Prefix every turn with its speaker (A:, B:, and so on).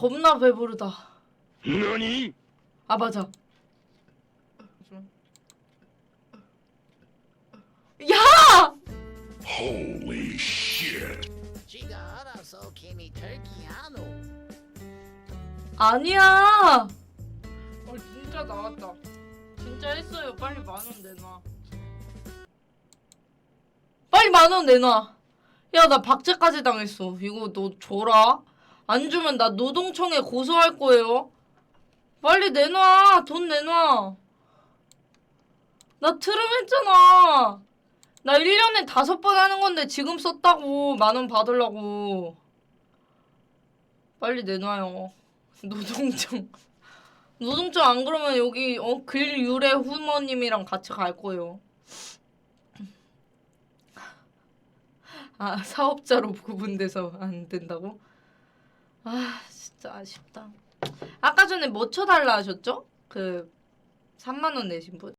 A: 겁나 배부르다.
B: 너니?
A: 아 맞아. 야!
B: Holy shit.
C: 지가 알아서 개미 털기야노.
A: 아니야. 진짜 나왔다. 진짜 했어요. 빨리 10,000원 내놔. 빨리 10,000원 내놔. 야, 나 박제까지 당했어. 이거 너 줘라. 안 주면 나 노동청에 고소할 거예요. 빨리 내놔. 돈 내놔. 나 트름했잖아. 나 1년에 5번 하는 건데 지금 썼다고. 10,000원 받으려고. 빨리 내놔요. 노동청. 노동청 안 그러면 여기 글유래 후모님이랑 같이 갈 거예요. 아, 사업자로 구분돼서 안 된다고? 아, 진짜 아쉽다. 아까 전에 뭐 쳐달라 하셨죠? 그 30,000원 내신 분?